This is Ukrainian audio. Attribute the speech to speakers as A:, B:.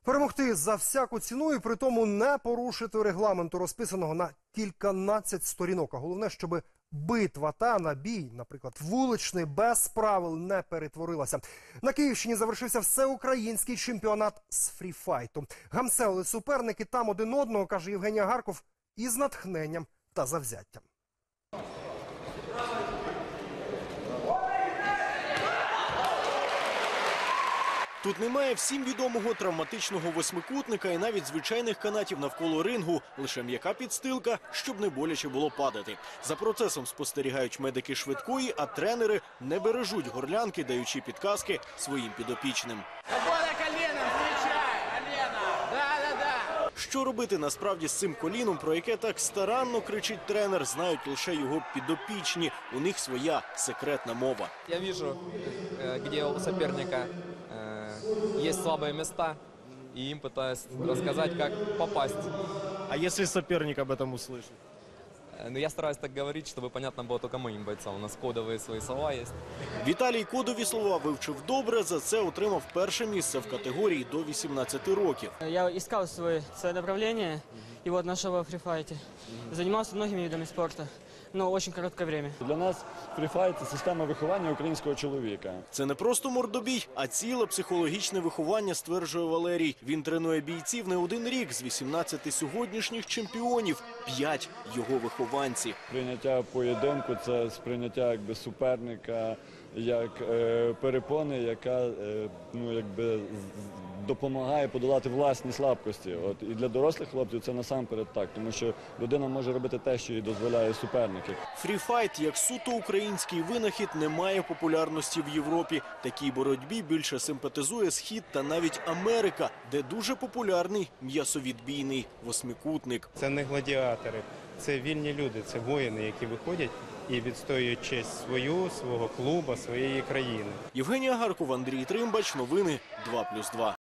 A: Перемогти за всяку ціну і при тому не порушити регламенту, розписаного на кільканадцять сторінок. А головне, щоб битва та набій, наприклад, вуличний, без правил не перетворилася. На Київщині завершився всеукраїнський чемпіонат з фріфайту. Гамселили суперники там один одного, каже Євгеній Агарков, із натхненням та завзяттям.
B: Тут немає всім відомого травматичного восьмикутника і навіть звичайних канатів навколо рингу. Лише м'яка підстилка, щоб не боляче було падати. За процесом спостерігають медики швидкої, а тренери не бережуть горлянки, даючи підказки своїм підопічним. Що робити насправді з цим коліном, про яке так старанно кричить тренер, знають лише його підопічні. У них своя секретна мова.
C: Я бачу, де у суперника есть слабые места, и им пытаюсь рассказать, как попасть.
B: А если соперник об этом услышит?
C: Но я стараюсь так говорить, чтобы понятно было только моим бойцам. У нас кодовые свои слова есть.
B: Віталій кодові слова вивчив добре, за це отримав перше місце в категорії до 18 років.
D: Я искал свое направление и вот нашел во фрифайте. Занимался многими видами спорта, но очень короткое время.
E: Для нас фріфайт – це система виховання українського чоловіка.
B: Це не просто мордобій, а ціле психологічне виховання, стверджує Валерій. Він тренує бійців не один рік. З 18 сьогоднішніх чемпіонів 5 його вихованці.
E: Прийняття поєдинку – це сприйняття суперника як перепони, яка допомагає подолати власні слабкості. І для дорослих хлопців це насамперед так, тому що людина може робити те, що їй дозволяє суперники.
B: Фріфайт, як суто український винахід, не має популярності в Європі. Такій боротьбі більше симпатизує Схід та навіть Америка, де дуже популярний м'ясовідбійний восьмикутник.
F: Це не гладіатори, це вільні люди, це воїни, які виходять і відстоюють честь свого клубу, своєї країни.
B: Євгеній Агарков, Андрій Тримбач. Новини 2+2.